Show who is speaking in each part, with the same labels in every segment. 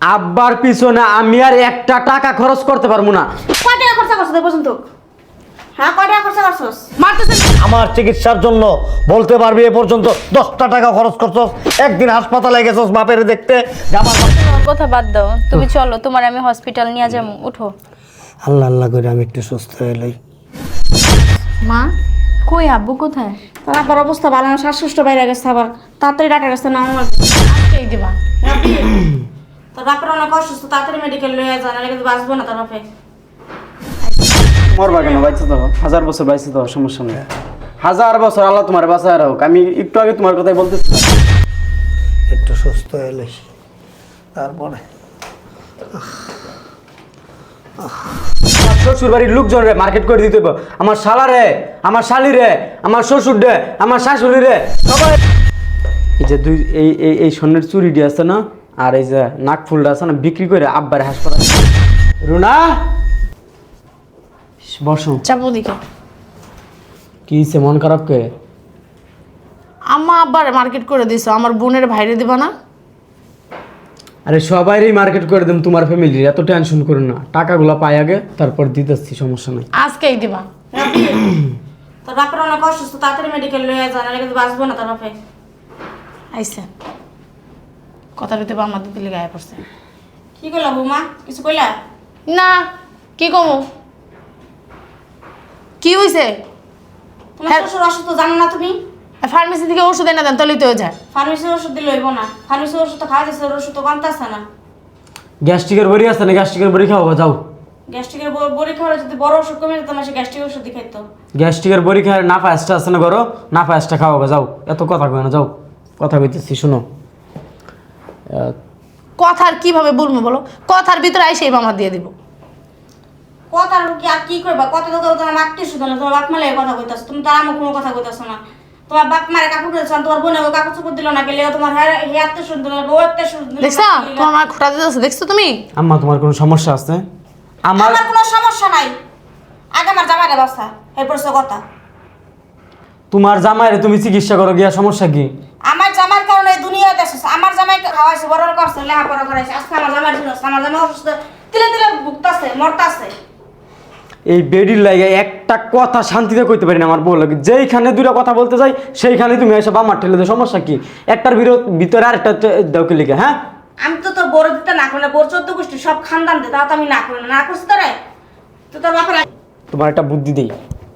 Speaker 1: আব্বার পিছনে আমি আর একটা টাকা খরচ করতে পারবো না।
Speaker 2: কয় টাকা খরচা করছিস এই পর্যন্ত? হ্যাঁ, কয় টাকা খরচা করছিস?
Speaker 3: মারতেছেন।
Speaker 4: আমার চিকিৎসার জন্য বলতে পারবি এ পর্যন্ত 10টা টাকা খরচ করছস, একদিন হাসপাতালে গেছস বাপের দেখতে।
Speaker 5: তোমার কথা বাদ দাও, তুমি চলো, তোমার আমি হসপিটাল নিয়ে যাবো, উঠো।
Speaker 4: আল্লাহ আল্লাহ করে আমি একটু সুস্থ হয়ে লই।
Speaker 5: মা কই, আব্বু কোথায়?
Speaker 2: তোর আব্বার অবস্থা ভালো না, শ্বাসকষ্ট বাইরে গেছে, আবার তাড়াতাড়ি ডাক্তার কাছে নাও লাগবে।
Speaker 5: আজকেই দিবা।
Speaker 2: তোর বাপের অনেক অসুস্থ, তাড়াতাড়ি মেডিকেল লয়ে যা, নাহলে কিন্তু বাঁচবো না তোর বাপে।
Speaker 1: মরবা কেন? বাইচে তো 1000 বছর বাইচে তো, সমস্যা নেই। 1000 বছর আল্লাহ তোমার বাঁচায় রাখুক। আমি একটু আগে তোমার কথাই বলতেছি।
Speaker 4: একটু সুস্থ হয়ে লই তারপরে।
Speaker 1: আমার শ্বশুর বাড়ির লোকজন রে মার্কেট করে দিতে হবে। আমার শালা রে, আমার শালি রে, আমার শ্বশুর রে, আমার শাশুড়ি রে, সবাই। এই যে দুই এই স্বর্ণের চুরিটি আছে না, আর এই যে নাক ফুলটা আছে না, বিক্রি করে আব্বার হাসপাতাল। রুনা, বসো।
Speaker 3: চাপো দিকে।
Speaker 1: কি হইছে, মন খারাপ কে?
Speaker 3: আম্মা আব্বার মার্কেট করে দিছো, আমার বোনের ভাইরে দিবা না?
Speaker 1: আরে সবাইরই মার্কেট করে দেব, তোমার ফ্যামিলির এত টেনশন করো না। টাকাগুলো পাই আগে, তারপর দিতেছি, সমস্যা নাই।
Speaker 3: আজকেই দিবা।
Speaker 2: তোর বাপের অনেক অসুস্থ, তাড়াতাড়ি মেডিকেল লয়ে যা, নাহলে কিন্তু বাঁচবো না তোর বাপে।
Speaker 3: আইসে কথা দিতে বা আমাদের দিলে গায়ে পড়ছে।
Speaker 2: কি কইলা বৌমা, কিছু কইলা?
Speaker 3: না, কি কমো? কি হইছে?
Speaker 2: তোমার শ্বশুর অসুস্থ জানো না তুমি?
Speaker 3: ফার্মেসি থেকে ওষুধ এনে দেন, তাহলেই তো হয়ে যায়।
Speaker 2: ফার্মেসির ওষুধ দিলে হইব না, ফার্মেসির ওষুধ তো খাওয়া যাচ্ছে, ওর ওষুধ তো কমতেছে না।
Speaker 1: গ্যাস্ট্রিকের বড়ি আছে না, গ্যাস্ট্রিকের বড়ি খাওয়া যাও।
Speaker 2: গ্যাস্ট্রিকের বড়ি খাওয়ালে যদি বড় ওষুধ কমে যেত, আমার সে গ্যাস্ট্রিক ওষুধ খাইতো।
Speaker 1: গ্যাস্ট্রিকের বড়ি খায় না, পায়েসটা আছে না করো, না পায়েসটা খাওয়া যাও। এত কথা কয় না, যাও। কথা কইতেছি, শুনো।
Speaker 3: কথার কিভাবে বলবো বলো? কথার ভিতরে আইসেই মামা দিয়ে দিব।
Speaker 2: কথা কি আর কি করবা? কথা তো তোমার আত্মীয় শুধু না, তোমার বাপ মালে কথা কইতাছ, তুমি তার আমার কোনো কথা কইতাছ না। তোমার বাপ মারে কাপড় দিয়েছ, তোমার বোনে কাপড় চোপড় দিল না, গেলে তোমার হে আত্মীয় শুনতে না, ও আত্মীয় শুনতে।
Speaker 3: দেখছো তোমার মা খোটা দিতেছে, দেখছো তুমি?
Speaker 1: আম্মা, তোমার কোনো সমস্যা আছে? আমার
Speaker 2: আমার কোনো সমস্যা নাই, আগে আমার জামাইরে বাসা, এরপর সে কথা।
Speaker 1: তোমার জামাইরে তুমি চিকিৎসা করো গিয়া, সমস্যা কি?
Speaker 2: আমার জামার কারণে এই দুনিয়াতে আসছে, আমার জামাইকে খাওয়াইছে, বড় করছে, লেখাপড়া করাইছে, আজকে আমার জামাই ছিল, আমার জামাই অসুস্থ, তিলে তিলে ভুগতাছে, মরতাছে।
Speaker 1: এই বেডির লাগে একটা কথা শান্তিতে কইতে পারি না আমার বউ লাগে। যেইখানে দুটো কথা বলতে যাই, সেইখানে তুমি এসব আমার ঠেলে দেয়। সমস্যা কি? একটার ভিতরে আর একটা দেওকে লিখে। হ্যাঁ,
Speaker 2: আমি তো তোর বড় দিতে না করলে, বড় 14 গোষ্ঠী সব খানদান দে, তাও তো আমি না করি না, না করছি তোরে তো তোর বাপের।
Speaker 1: তোমার একটা বুদ্ধি দেই।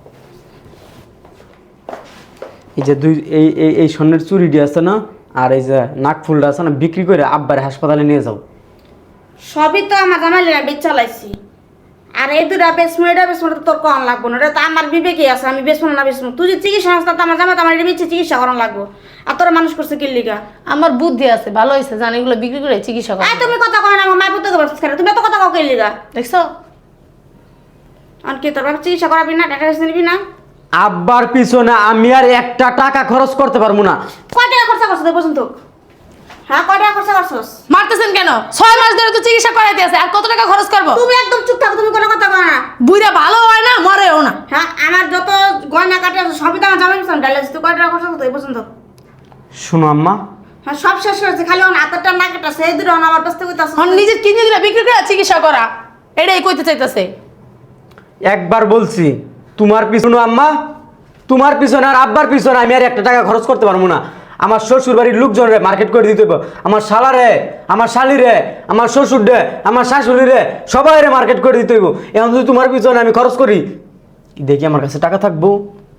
Speaker 1: এই যে এই স্বর্ণের চুরিটি আছে না, আর এই যে নাক ফুলটা আছে না, বিক্রি করে আব্বার হাসপাতালে নিয়ে যাও।
Speaker 2: সবই তো আমার জামাইলেরা বেচ চালাইছি, আর এই দুটা বেসমো, এটা বেসমো তো তোর কম লাগবো না, এটা তো আমার বিবেকে আছে, আমি বেসমো না বেসমো। তুই যে চিকিৎসা সংস্থা, তো আমার জামাই তো আমার এটা বেচে চিকিৎসা করানো লাগবো, আর তোরা মানুষ করছে কি লিগা?
Speaker 3: আমার বুদ্ধি আছে, ভালো হয়েছে, জানি এগুলো বিক্রি করে চিকিৎসা করে।
Speaker 2: তুমি কথা কয় না, আমার মায়ের পুত্রকে বাঁচতে খারাপ, তুমি এত কথা কাউকে লিগা?
Speaker 3: দেখছো?
Speaker 2: আর কি তোর বাবা চিকিৎসা করাবি না, টাকা পয়সা নিবি না?
Speaker 1: আব্বার পিছনে আমি আর একটা টাকা খরচ করতে পারবো না।
Speaker 2: কয় টাকা খরচা করছিস এই পর্যন্ত? হ্যাঁ, কয় টাকা খরচা করছিস?
Speaker 3: মারতেছেন কেন? 6 মাস ধরে তো চিকিৎসা করাইতে আছে, আর কত টাকা খরচ করবো?
Speaker 2: তুমি একদম চুপ থাকো, তুমি কোনো কথা কয় না।
Speaker 3: বুইরা ভালো হয় না, মরেও না।
Speaker 2: হ্যাঁ, আমার যত গয়না কাটে আছে সবই তো আমার জামাই পিছনে ডাইলেছিস, তুই কয় টাকা খরচা করছিস এই পর্যন্ত?
Speaker 1: শোনো আম্মা,
Speaker 2: হ্যাঁ, সব শেষ হয়েছে, খালি আমার হাতেরটা না কেটে সেই দুটো আমার কাছ থেকে কইতাছিস।
Speaker 3: এখন নিজের কিডনি দিলা বিক্রি করে চিকিৎসা করা, এটাই কইতে চাইতেছে।
Speaker 1: একবার বলছি তোমার পিছনে আম্মা, তোমার পিছনে আর আব্বার পিছনে আমি আর একটা টাকা খরচ করতে পারবো না। আমার শ্বশুর বাড়ির লোকজন রে মার্কেট করে দিতে হবে। আমার শালা রে, আমার শালি রে, আমার শ্বশুর রে, আমার শাশুড়ি রে, সবাই রে মার্কেট করে দিতে হইব। এখন যদি তোমার পিছনে আমি খরচ করি, দেখি আমার কাছে টাকা থাকবো?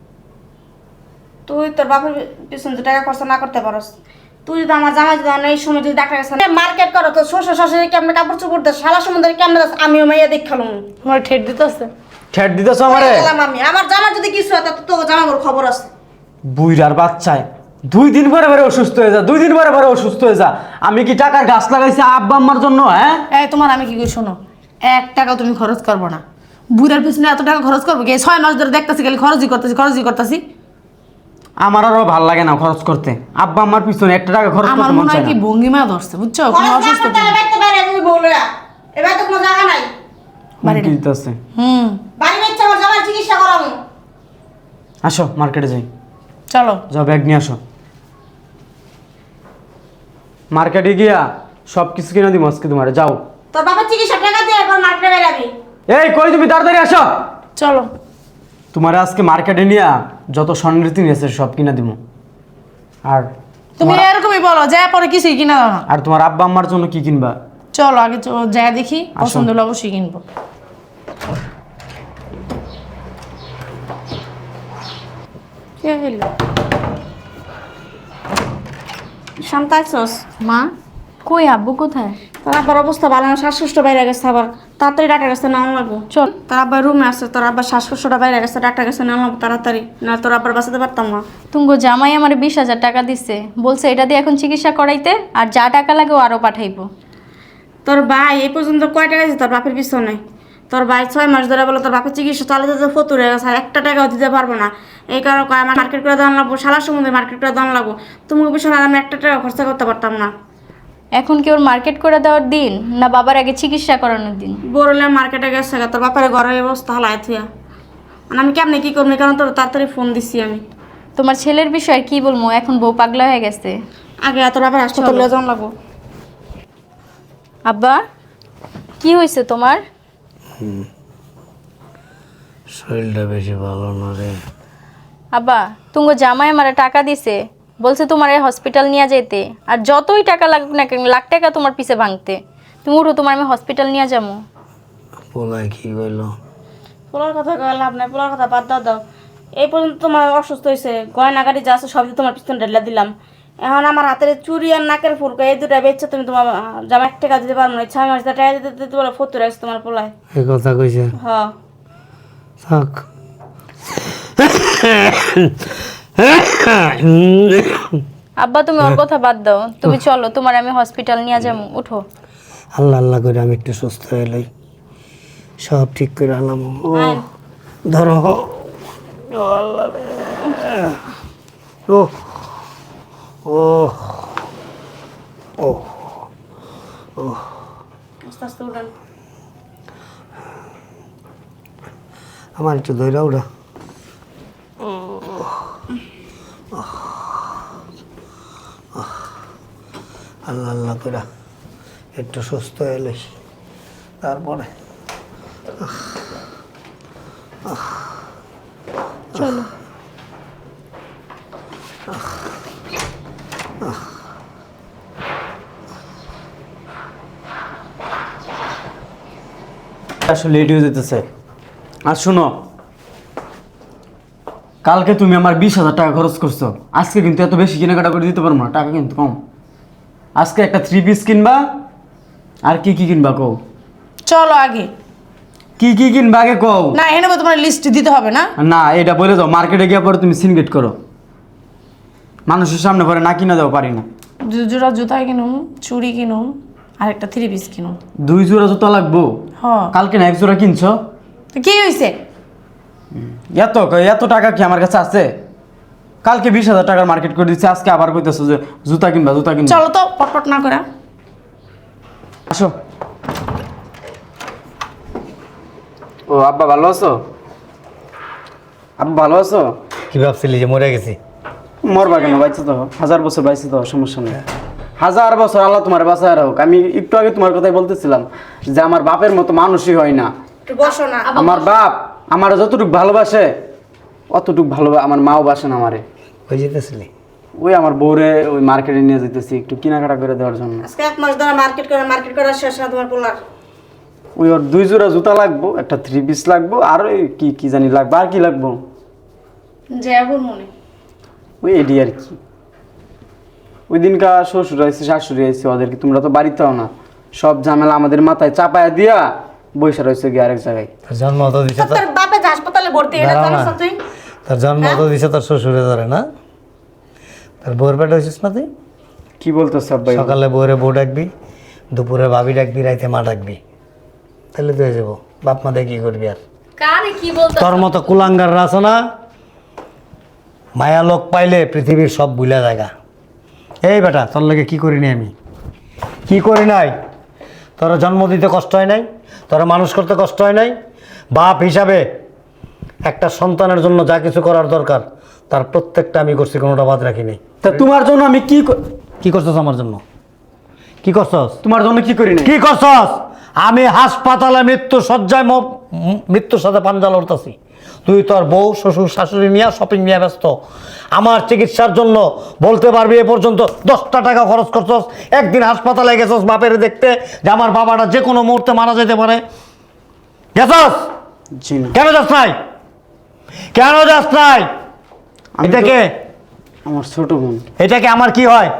Speaker 2: তুই তোর বাপের পিছনে যে টাকা খরচা না করতে পারস, তুই যদি আমার জামাই যদি এই সময় যদি ডাক্তার কাছে মার্কেট করো, তো শ্বশুর শাশুড়ি কেমন কাপড় চোপড় দেয়, শালা সম্বন্ধে কেমন দেয়, আমিও মাইয়া দেখালাম।
Speaker 3: তোমার ঠেট দিতেছে।
Speaker 1: ঠেট দিতেছ আমারে?
Speaker 2: আমি আমার জামার যদি কিছু হয়, তো তোর জামার খবর আছে।
Speaker 1: বুইরার বাচ্চায় 2 দিন পরে পরে অসুস্থ হয়ে যা, 2 দিন পরে পরে অসুস্থ হয়ে যা। আমি কি টাকার গাছ লাগাইছি আব্বা আম্মার জন্য? হ্যাঁ,
Speaker 3: এই তোমার আমি কি করি শোনো, 1 টাকা তুমি খরচ করবো না। বুড়ার পিছনে এত টাকা খরচ করবো কি? 6 মাস ধরে দেখতেছি খালি খরচই করতেছি।
Speaker 1: আমার আরো ভাল লাগে না খরচ করতে। আব্বা আম্মার পিছনে একটা টাকা খরচ
Speaker 3: আমার
Speaker 1: করতে মন
Speaker 3: মনে
Speaker 1: চায়
Speaker 3: হয়
Speaker 1: না।
Speaker 3: কি ভঙ্গিমা ধরছে, বুঝছো? কোনো
Speaker 2: খরচ না
Speaker 3: অসুস্থ
Speaker 2: করতে হলে বাইতে পারে, তুমি বলো না, এবার তো কোনো জায়গা নাই।
Speaker 3: বাড়িটা।
Speaker 1: দিতেছে।
Speaker 2: বাড়ি বেচছে আমার জামার চিকিৎসা করাবো।
Speaker 1: আসো মার্কেটে যাই।
Speaker 3: চলো।
Speaker 1: যাও, ব্যাগ নিয়ে আসো। মার্কেটে গিয়া সব কিছু কিনে দিব আজকে তোমার, যাও।
Speaker 2: তোর বাবার চিকিৎসা টাকা দিয়ে এখন মার্কেটে বেরাবি।
Speaker 1: এই কই তুমি, তাড়াতাড়ি আসো।
Speaker 3: চলো।
Speaker 1: তোমার আজকে মার্কেটে নিয়ে যত স্বর্ণের জিনিস আছে সব কিনে দিব। আর
Speaker 3: তুমি এরকমই বলো, যা পরে কিছুই কিনা দাও না।
Speaker 1: আর তোমার আব্বা আম্মার জন্য কি কিনবা?
Speaker 3: চলো আগে যা দেখি, পছন্দ হলে অবশ্যই কিনবো।
Speaker 2: কে হইল? শান্ত আছোস?
Speaker 5: মা কই, আব্বু কোথায়?
Speaker 2: তোর আব্বার অবস্থা ভালো না, শ্বাসকষ্ট বাইরে গেছে, আবার তাড়াতাড়ি ডাক্তার কাছে নেওয়া লাগবো।
Speaker 5: চল।
Speaker 2: তোর আব্বার রুমে আছে, তোর আব্বার শ্বাসকষ্টটা বাইরে গেছে, ডাক্তার কাছে নেওয়া লাগবো তাড়াতাড়ি, না তোর আব্বার বাঁচাতে পারতাম না।
Speaker 5: তুঙ্গ জামাই আমার 20,000 টাকা দিছে, বলছে এটা দিয়ে এখন চিকিৎসা করাইতে, আর যা টাকা লাগে ও আরো পাঠাইবো।
Speaker 2: তোর ভাই এই পর্যন্ত কয় টাকা দিচ্ছে তোর বাপের পিছনে? তোর ভাই 6 মাস ধরে বলে তোর বাপের চিকিৎসা চালাতে তো ফতুর হয়ে গেছে, আর একটা টাকাও দিতে পারবো না। এই কারণে কয় আমার মার্কেট করে দাম লাগবো, সারা সমুদ্রে মার্কেট করে দাম লাগবো। তুমি পিছনে আমি একটা টাকা খরচা করতে পারতাম না।
Speaker 5: এখন কি ওর মার্কেট করে দেওয়ার দিন, না বাবার আগে চিকিৎসা করানোর দিন?
Speaker 2: বড়লে মার্কেটে গেছে গা, তোর বাপের ঘরের অবস্থা হালাই থুয়া। আমি কেমনি কি করবো, কারণ তোর তাড়াতাড়ি ফোন দিছি আমি।
Speaker 5: তোমার ছেলের বিষয়ে কি বলবো, এখন বউ পাগলা হয়ে গেছে।
Speaker 2: আগে তোর বাপের হাসপাতালে যাওয়া লাগবো।
Speaker 5: আব্বা কি হয়েছে তোমার?
Speaker 4: শরীরটা বেশি ভালো না রে।
Speaker 5: আব্বা তুঙ্গ জামাই আমার টাকা দিছে, বলছে তোমার এই হসপিটাল নিয়ে যেতে, আর যতই টাকা লাগুক না কেন, লাখ টাকা তোমার পিছে ভাঙতে। তুমি উঠো, তোমার আমি হসপিটাল নিয়ে যাবো।
Speaker 4: পোলায় কি কইলো?
Speaker 2: পোলার কথা কয়ে লাভ নাই, পোলার কথা বাদ দাও। এই পর্যন্ত তোমার অসুস্থ হয়েছে, গয়না গাড়ি যা আছে সবই তোমার পিছনে ঢেলে দিলাম। এখন আমার হাতের চুড়ি আর নাকের ফুলকা এই দুটা বেচছে, তুমি তোমার জামা 1 টাকা দিতে পারবো না। 6 মাস টাকা দিতে দিতে বলে ফতুর আছে তোমার পোলায়।
Speaker 4: এই কথা কইছে?
Speaker 2: হ্যাঁ
Speaker 4: থাক।
Speaker 5: আব্বা তুমি ওর কথা বাদ দাও, তুমি চলো, তোমার আমি হসপিটাল নিয়ে যাবো, উঠো।
Speaker 4: আল্লাহ আল্লাহ করে আমি একটু সুস্থ হয়ে লই, সব ঠিক করে আলাম। ও ধরো, ও আল্লাহ রে। ও ও ও
Speaker 2: আস্তে আস্তে উঠান।
Speaker 4: আমার একটু ধৈর্য ওরা। আল্লাহ আল্লাহ করে একটু সুস্থ হয়ে তারপরে
Speaker 5: চলো।
Speaker 1: আসলে লেট হয়ে যেতেছে। আর শোনো, কালকে তুমি আমার 20,000 টাকা খরচ করছো, আজকে কিন্তু এত বেশি কেনাকাটা করে দিতে পারবো না, টাকা কিন্তু কম। আজকে একটা 3 পিস কিনবা, আর কি কি কিনবা কও?
Speaker 3: চলো আগে।
Speaker 1: কি কি কিনবা আগে কও।
Speaker 3: না এনে তোমার লিস্ট দিতে হবে না।
Speaker 1: না এটা বলে দাও, মার্কেটে গিয়ে পরে তুমি সিনগেট করো, মানুষের সামনে পরে না কিনা দাও পারি না।
Speaker 3: 2 জোড়া জুতা কিনুম, চুড়ি কিনুম, আর একটা 3 পিস কিনুম।
Speaker 1: 2 জোড়া জুতা লাগবো?
Speaker 3: হ্যাঁ।
Speaker 1: কালকে না 1 জোড়া কিনছো।
Speaker 3: তো কি হয়েছে?
Speaker 1: এত এত টাকা কি আমার কাছে আছে? কালকে 20,000 টাকার মার্কেট করে দিচ্ছে, আজকে আবার কইতেছো যে জুতা কিনবা জুতা কিনবা।
Speaker 3: চলো তো পটপট না করে।
Speaker 1: আসো। ও আব্বা ভালো আছো? আব্বা ভালো আছো?
Speaker 4: কি ভাবছিলি যে মরে গেছি?
Speaker 1: মরবা কেন, বাইছে তো 1000 বছর বাইছে তো, সমস্যা নেই। 1000 বছর আল্লাহ তোমার বাঁচায় রাখুক। আমি একটু আগে তোমার কথাই বলতেছিলাম যে আমার বাপের মতো মানুষই হয় না।
Speaker 2: একটু বসো না।
Speaker 1: আমার বাপ আমার যতটুকু ভালোবাসে অতটুকু ভালো আমার মাও বাসে না আমারে।
Speaker 4: ওই যেতেছিলি?
Speaker 1: ওই আমার বউরে ওই মার্কেটে নিয়ে যেতেছি একটু কেনাকাটা করে দেওয়ার জন্য।
Speaker 2: আজকে 1 মাস ধরে মার্কেট করা শেষ না তোমার পোলার।
Speaker 1: ওই ওর 2 জোড়া জুতা লাগবো, একটা 3 পিস লাগবো, আর ওই কি কি জানি লাগবে, আর কি লাগবো
Speaker 2: জয়াবুর মনে।
Speaker 1: ওই এডি আর কি। ওই দিনকা শ্বশুর আইসি শাশুড়ি আইসি, ওদেরকে তোমরা তো বাড়িতে হও না, সব ঝামেলা আমাদের মাথায় চাপায়া দিয়া বৈশা রয়েছে গিয়ে আরেক জায়গায়।
Speaker 4: তোর জন্ম তো দিছে
Speaker 2: তোর বাপে যে হাসপাতালে ভর্তি, এটা
Speaker 4: দাঁড়াও
Speaker 2: জানিস
Speaker 4: না।
Speaker 2: না তুই?
Speaker 4: তোর জন্ম তো দিছে তোর শ্বশুরে ধরে না? তোর বউর পেটে হয়েছিস না তুই?
Speaker 1: কি বলতেছ আব্বাই?
Speaker 4: সকালে বউরে বউ ডাকবি, দুপুরে ভাবি ডাকবি, রাইতে মা ডাকবি, তাহলে তো হয়ে যাবো। বাপ মা দিয়ে কি করবি আর?
Speaker 5: কারে কি বলতো?
Speaker 4: তোর মতো কুলাঙ্গার আছে না, মায়া লোক পাইলে পৃথিবীর সব ভুলা জায়গা। এই বেটা তোর লাগে কি করি নাই আমি? কি করি নাই? তোর জন্ম দিতে কষ্ট হয় নাই? তোর মানুষ করতে কষ্ট হয় নাই? বাপ হিসাবে একটা সন্তানের জন্য যা কিছু করার দরকার তার প্রত্যেকটা আমি করছি, কোনোটা বাদ রাখি নাই।
Speaker 1: তা তোমার জন্য আমি
Speaker 4: কি করতেছ আমার জন্য? কি করছস?
Speaker 1: তোমার জন্য কি করি না?
Speaker 4: কি করছস? আমি হাসপাতালে মৃত্যু শয্যায় মৃত্যুর সাথে পাঞ্জা লড়তাছি, তুই তোর বউ শ্বশুর শাশুড়ি নিয়ে শপিং নিয়ে ব্যস্ত। আমার চিকিৎসার জন্য বলতে পারবি এ পর্যন্ত 10টা টাকা খরচ করছস? একদিন হাসপাতালে গেছস বাপের দেখতে যে আমার বাবাটা যে কোনো মুহূর্তে মারা যেতে পারে? গেছস?
Speaker 1: জি না।
Speaker 4: কেন যাস নাই? কেন যাস নাই?
Speaker 1: আমি তো-
Speaker 4: এটাকে
Speaker 1: আমার ছোট বোন,
Speaker 4: এটাকে আমার কি হয়?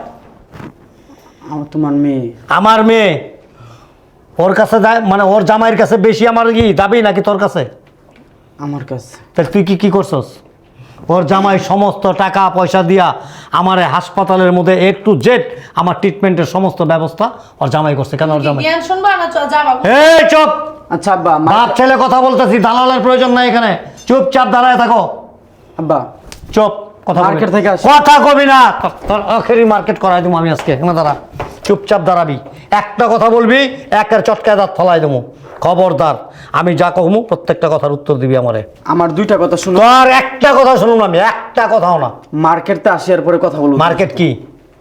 Speaker 1: আমার তোমার মেয়ে।
Speaker 4: আমার মেয়ে ওর কাছে মানে ওর জামাইয়ের কাছে বেশি আমার কি দাবি নাকি তোর কাছে?
Speaker 1: আমার কাছে
Speaker 4: তাহলে তুই কি করছস? ওর জামাই সমস্ত টাকা পয়সা দিয়া আমার এই হাসপাতালের মধ্যে A to Z আমার ট্রিটমেন্টের সমস্ত ব্যবস্থা ওর জামাই করছে। কেন ওর জামাই?
Speaker 3: জ্ঞান শুনবা না যা বাবু।
Speaker 4: এই চুপ!
Speaker 1: আচ্ছা আব্বা,
Speaker 4: বাপ ছেলে কথা বলতেছি, দালালের প্রয়োজন নাই এখানে। চুপচাপ দাঁড়ায় থাকো।
Speaker 1: আব্বা
Speaker 4: চুপ! কথা
Speaker 1: মার্কেট থেকে আসি।
Speaker 4: কথা কবি না, তোর আখেরি মার্কেট করাই দেবো আমি আজকে। এখানে দাঁড়া, চুপচাপ দাঁড়াবি। একটা কথা বলবি, একের চটকায় দাঁত ফলাই দেবো। খবরদার, আমি যা কমু প্রত্যেকটা কথার উত্তর দিবি আমারে।
Speaker 1: আমার দুইটা কথা শুনো।
Speaker 4: তোর একটা কথা শুনুন, আমি একটা কথাও না।
Speaker 1: মার্কেটতে আসি আর পরে কথা বলবো।
Speaker 4: মার্কেট কি?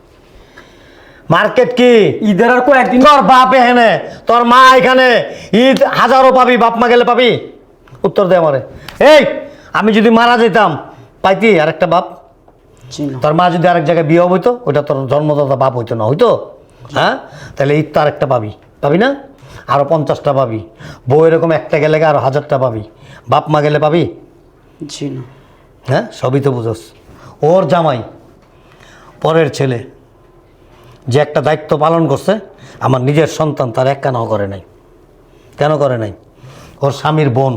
Speaker 4: মার্কেট কি?
Speaker 1: ঈদের আর কয়েকদিন।
Speaker 4: তোর বাপ এখানে, তোর মা এখানে, ঈদ হাজারো পাবি, বাপ মা গেলে পাবি? উত্তর দে আমারে। এই, আমি যদি মারা যেতাম পাইতি আরেকটা বাপ?
Speaker 1: জি না।
Speaker 4: তোর মা যদি আরেক জায়গায় বিয়ে হইতো, ওইটা তোর জন্মদাতা বাপ হইতো না, হইতো? হ্যাঁ, তাহলে ঈদ তো আরেকটা পাবি, পাবি না? আরো 50টা পাবি। বউ এরকম একটা গেলে আরো 1000টা পাবি। বাপ মা গেলে পাবি?
Speaker 1: জি না।
Speaker 4: হ্যাঁ, সবই তো বুঝোস। ওর জামাই পরের ছেলে যে একটা দায়িত্ব পালন করছে, আমার নিজের সন্তান তার এক কানাও করে নাই। কেন করে নাই? ওর স্বামীর বোন,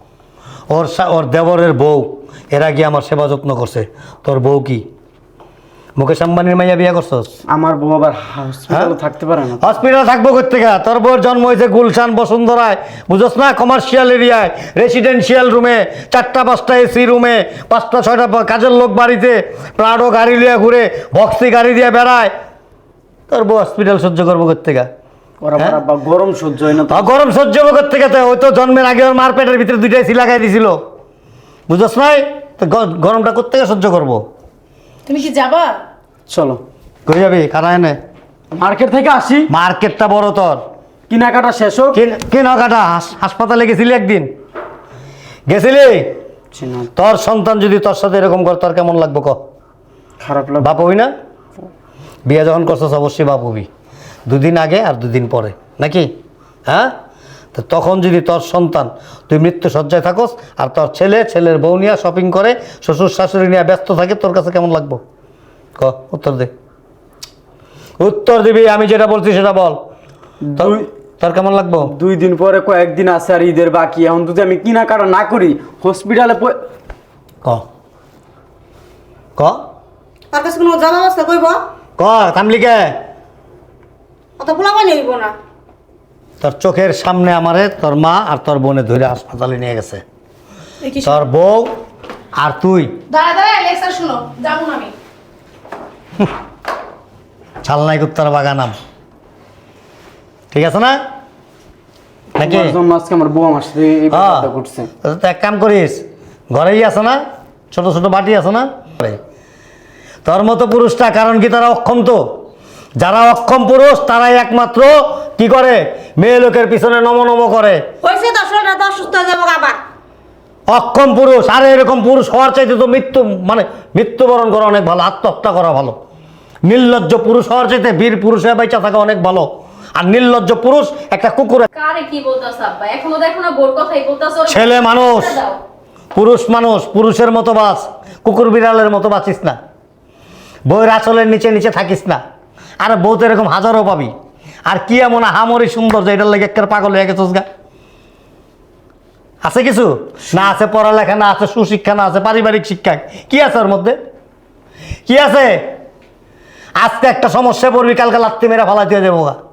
Speaker 4: ওর দেবরের বউ এরা গিয়ে আমার সেবা যত্ন করছে। তোর বউ কি মুকেশ আম্বানির মাইয়া বিয়ে করছস?
Speaker 1: আমার বউ আবার হসপিটালে থাকতে পারে না।
Speaker 4: হসপিটাল থাকবো কোথেকে? তোর বউর জন্ম হয়েছে গুলশান বসুন্ধরায়, বুঝোস না? কমার্শিয়াল এরিয়ায়, রেসিডেন্সিয়াল রুমে, 4টা-5টা এসি রুমে, 5টা-6টা কাজের লোক বাড়িতে, প্রাডো গাড়ি লিয়ে ঘুরে, বক্সি গাড়ি দিয়ে বেড়ায়। তোর বউ হসপিটাল সহ্য করবো কোথেকে?
Speaker 1: ওরা আবার আব্বা গরম সহ্য হয় না তো।
Speaker 4: গরম সহ্য করবো কোথেকে? ওই তো জন্মের আগে ওর মার পেটের ভিতরে 2টা এসি লাগাই দিছিল, বুঝোস নাই? তো গরমটা কোথেকে সহ্য করবো?
Speaker 3: তুমি কি যাবা?
Speaker 1: চলো।
Speaker 4: কই যাবি? খারায় নে।
Speaker 1: মার্কেট থেকে আসি,
Speaker 4: মার্কেটটা বড় তোর,
Speaker 1: কেনাকাটা শেষ হোক।
Speaker 4: কেনাকাটা। হাসপাতালে গেছিলি একদিন? গেছিলি?
Speaker 1: জি না।
Speaker 4: তোর সন্তান যদি তোর সাথে এরকম করে তোর কেমন লাগবে ক?
Speaker 1: খারাপ লাগে।
Speaker 4: বাপ হবি না? বিয়ে যখন করছিস অবশ্যই বাপ হবি, 2 দিন আগে আর 2 দিন পরে, নাকি? হ্যাঁ, তো তখন যদি তোর সন্তান, তুই মৃত্যু সজ্জায় থাকস আর তোর ছেলের বউ নিয়ে শপিং করে, শ্বশুর শাশুড়ি নিয়ে ব্যস্ত থাকে, তোর কাছে কেমন লাগবো ক? উত্তর দে, উত্তর দিবি। আমি যেটা বলছি সেটা বল। তোর কেমন লাগবো?
Speaker 1: 2 দিন পরে কয়েকদিন আছে আর ঈদের বাকি। এখন যদি আমি কেনাকাটা না করি হসপিটালে
Speaker 4: ক ক
Speaker 2: তার কাছে কোনো জল অবস্থা কইব?
Speaker 4: ক থামলি কে?
Speaker 2: অত পোলাপানি হইব না।
Speaker 4: তোর চোখের সামনে আমারে তোর মা আর তোর বোনে ধরে হাসপাতালে নিয়ে গেছে,
Speaker 3: এই কি
Speaker 4: তোর বউ আর তুই।
Speaker 3: দাঁড়া লেকচার শুনো, যাবো না আমি।
Speaker 4: ছালনাই কুত্তার বাগানাম, ঠিক আছে না? নাকি?
Speaker 1: আমার জন্য আজকে আমার বউ আমার সাথে এই ব্যাপারটা করছে।
Speaker 4: তো এক কাম করিস, ঘরেই আছে না ছোট ছোট বাটি আছে না, তোর মতো পুরুষটা, কারণ কি তারা অক্ষম। তো যারা অক্ষম পুরুষ তারাই একমাত্র কি করে? মেয়ে লোকের পিছনে নম করে।
Speaker 2: হয়েছে তো শরীরটা তো অসুস্থ হয়ে যাবো আবার।
Speaker 4: অক্ষম পুরুষ, আরে এরকম পুরুষ হওয়ার চাইতে তো মৃত্যুবরণ করা অনেক ভালো, আত্মহত্যা করা ভালো। নির্লজ্জ পুরুষ হওয়ার চাইতে বীর পুরুষ হয়ে বেঁচে থাকা অনেক ভালো। আর নির্লজ্জ পুরুষ একটা কুকুরের।
Speaker 5: কারে কি বলতাছ আব্বা? এখনো দেখো না বোর কথাই বলতাছ।
Speaker 4: ছেলে মানুষ, পুরুষ মানুষ, পুরুষের মতো বাঁচ, কুকুর বিড়ালের মতো বাঁচিস না। বউয়ের আঁচলের নিচে নিচে থাকিস না। আরে বউ তো এরকম হাজারো পাবি। আর কি এমন হামরি সুন্দর যে এটার লাগে একটা পাগল হয়ে গেছিস গা? আছে কিছু? না আছে পড়ালেখা, না আছে সুশিক্ষা, না আছে পারিবারিক শিক্ষা। কি আছে ওর মধ্যে? কি আছে? আজকে একটা সমস্যা পড়বি, কালকে লাত্তি মেরে ফালাই দিয়ে দেবো গা।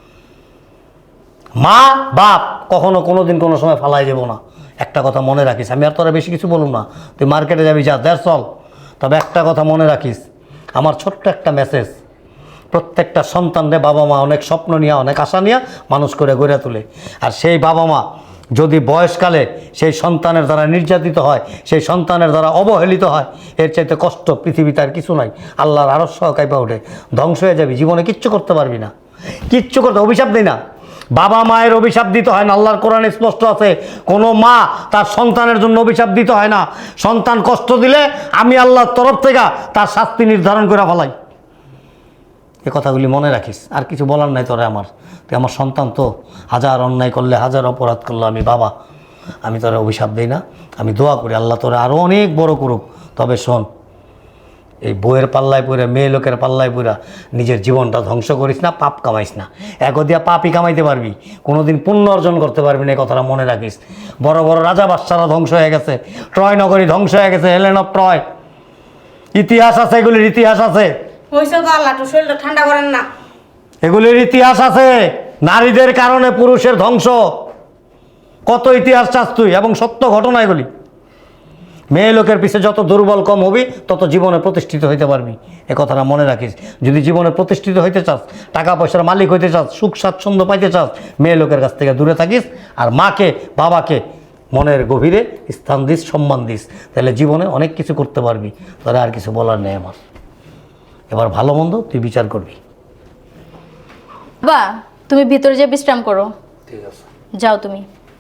Speaker 4: মা বাপ কখনো কোনোদিন কোনো সময় ফালাই দেবো না। একটা কথা মনে রাখিস, আমি আর তোরা বেশি কিছু বলুন না, তুই মার্কেটে যাবি, যা দেড় চল। তবে একটা কথা মনে রাখিস, আমার ছোট্ট একটা মেসেজ, প্রত্যেকটা সন্তানরে বাবা মা অনেক স্বপ্ন নিয়ে, অনেক আশা নিয়ে মানুষ করে গড়ে তোলে। আর সেই বাবা মা যদি বয়সকালে সেই সন্তানের দ্বারা নির্যাতিত হয়, সেই সন্তানের দ্বারা অবহেলিত হয়, এর চাইতে কষ্ট পৃথিবীতে আর কিছু নাই। আল্লাহর আরশ কাঁপা ওঠে, ধ্বংস হয়ে যাবি, জীবনে কিচ্ছু করতে পারবি না। কিচ্ছু করতে অভিশাপ দিই না। বাবা মায়ের অভিশাপ দিতে হয় না, আল্লাহর কোরআনে স্পষ্ট আছে কোনো মা তার সন্তানের জন্য অভিশাপ দিতে হয় না। সন্তান কষ্ট দিলে আমি আল্লাহর তরফ থেকে তার শাস্তি নির্ধারণ করে ফেলাই। এ কথাগুলি মনে রাখিস। আর কিছু বলার নাই তোরে আমার, তুই আমার সন্তান তো, হাজার অন্যায় করলে হাজার অপরাধ করলে আমি বাবা, আমি তোরে অভিশাপ দিই না। আমি দোয়া করি আল্লাহ তোরে আরও অনেক বড় করুক। তবে শোন, এই বইয়ের পাল্লায় পড়ে, মেয়ে লোকের পাল্লায় পড়ে নিজের জীবনটা ধ্বংস করিস না, পাপ কামাইস না। এক দিয়া পাপই কামাইতে পারবি, কোনোদিন পুণ্য অর্জন করতে পারবি না, এই কথাটা মনে রাখিস। বড় বড় রাজা বাদশারা ধ্বংস হয়ে গেছে, ট্রয় নগরী ধ্বংস হয়ে গেছে, হেলেন অফ ট্রয়, ইতিহাস আছে, এগুলির ইতিহাস আছে।
Speaker 2: হয়েছে তো আল্লাহ, একটু শরীরটা ঠান্ডা করেন না।
Speaker 4: এগুলির ইতিহাস আছে, নারীদের কারণে পুরুষের ধ্বংস, কত ইতিহাস চাস তুই, এবং সত্য ঘটনা এগুলি। মেয়ে লোকের পিছে যত দুর্বল কম হবি তত জীবনে প্রতিষ্ঠিত হইতে পারবি, এ কথাটা মনে রাখিস। যদি জীবনে প্রতিষ্ঠিত হইতে চাস, টাকা পয়সার মালিক হইতে চাস, সুখ স্বাচ্ছন্দ্য পাইতে চাস, মেয়ে লোকের কাছ থেকে দূরে থাকিস। আর মাকে বাবাকে মনের গভীরে স্থান দিস, সম্মান দিস, তাহলে জীবনে অনেক কিছু করতে পারবি। তাহলে আর কিছু বলার নেই আমার। এবার ভালো মন্দ তুই বিচার করবি।
Speaker 5: বাবা তুমি ভিতরে যে বিশ্রাম করো,
Speaker 1: ঠিক আছে।
Speaker 5: যাও তুমি।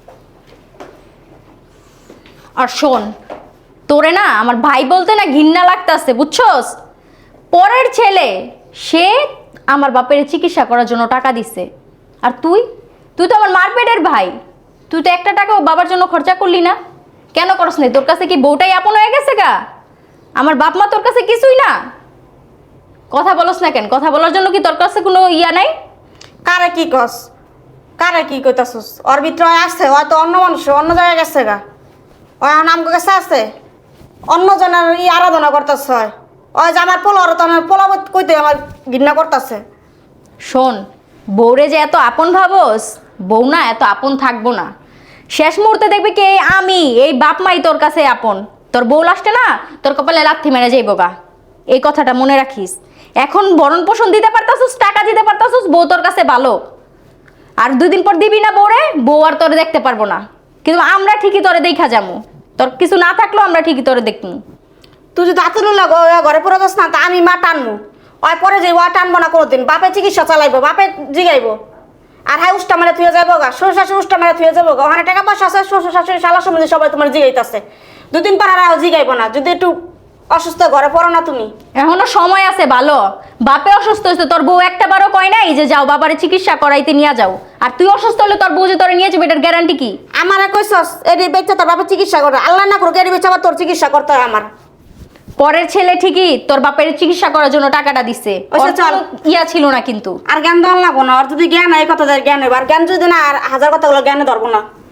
Speaker 5: আর শোন, তোরে না আমার ভাই বলতে না ঘৃণা লাগতাছে, বুঝছস? পরের ছেলে, সে আমার বাপের চিকিৎসা করার জন্য টাকা দিছে, আর তুই তুই তো আমার মার পেটের ভাই, তুই তো একটা টাকাও বাবার জন্য খরচা করলি না। কেন করস না? তোর কাছে কি বউটাই আপন হয়ে গেছে গা? আমার বাপ মা তোর কাছে কিছুই না? কথা বলস না কেন? কথা বলার জন্য কি তোর কাছে কোনো ইয়া নাই?
Speaker 2: কারে কি কস, কারে কি কইতাছস? ওর ভিতরে আসছে, হয়তো অন্য মানুষ অন্য জায়গায় গেছে গা, ওই এখন আমগো কাছে আছে, অন্য জনের আরাধনা করতেছে। হয় ওই যে আমার পোলা, ওর তো আমার পোলা কইতে আমার ঘৃণা করতেছে।
Speaker 5: শোন, বউরে যে এত আপন ভাবস, বউ না এত আপন থাকবো না। শেষ মুহূর্তে দেখবি কি আমি, এই বাপ মাই তোর কাছে আপন। তোর বউ লাস্টে না তোর কপালে লাথি মেরে যাইব গা, এই কথাটা মনে রাখিস। এখন ভরণ পোষণ দিতে পারতাছিস, টাকা দিতে পারতাছিস, বউ তোর কাছে ভালো। আর 2 দিন পর দিবি না বউরে, বউ আর তোরে দেখতে পারবো না। কিন্তু আমরা ঠিকই তোরে দেখা যাবো, তোর কিছু না থাকলেও আমরা ঠিকই তোরে দেখবো।
Speaker 2: তুই যদি আতুল লাগো ঘরে পড়ে যাস না, তা আমি মা টানবো। ওই পরে যে ওয়া টানবো না কোনোদিন, বাপে চিকিৎসা চালাইবো, বাপে জিগাইবো। আর হ্যাঁ উষ্টা মেরে থুয়ে যাবো গা, শ্বশুর শাশুড়ি উষ্টা মেরে থুয়ে যাবো গা। ওখানে টাকা পয়সা আছে, শ্বশুর শাশুড়ি শালা সম্বন্ধে সবাই তোমার জিগাইতেছে। 2 দিন পর আর জিগাইবো না, যদি একটু অসুস্থ ঘরে পড়ো না তুমি।
Speaker 5: এখনো সময় আছে ভালো। বাপে অসুস্থ হয়েছে, তোর বউ একটা বারও কয় নাই যে যাও বাবারে চিকিৎসা করাইতে নিয়ে যাও। আর তুই অসুস্থ হলে তোর বউ যে তোরে নিয়ে যাবে, এটার গ্যারান্টি কি?
Speaker 2: আমারে কইছস এডি বেচা তোর বাপে চিকিৎসা করে, আল্লাহ না করুক এডি বেচা আবার তোর চিকিৎসা করতে হয় আমার।
Speaker 5: পরের ছেলে ঠিকই তোর বাপের চিকিৎসা করার জন্য টাকাটা দিচ্ছে,
Speaker 2: আচ্ছা,
Speaker 5: ওর
Speaker 2: চল।
Speaker 5: কোনো ইয়া ছিল না কিন্তু।
Speaker 2: আর জ্ঞান দেওয়া লাগবো না, আর যদি জ্ঞান হয় এই কথা জ্ঞান হইব, আর জ্ঞান যদি না আর 1000 কথাগুলো জ্ঞানে ধরবো না।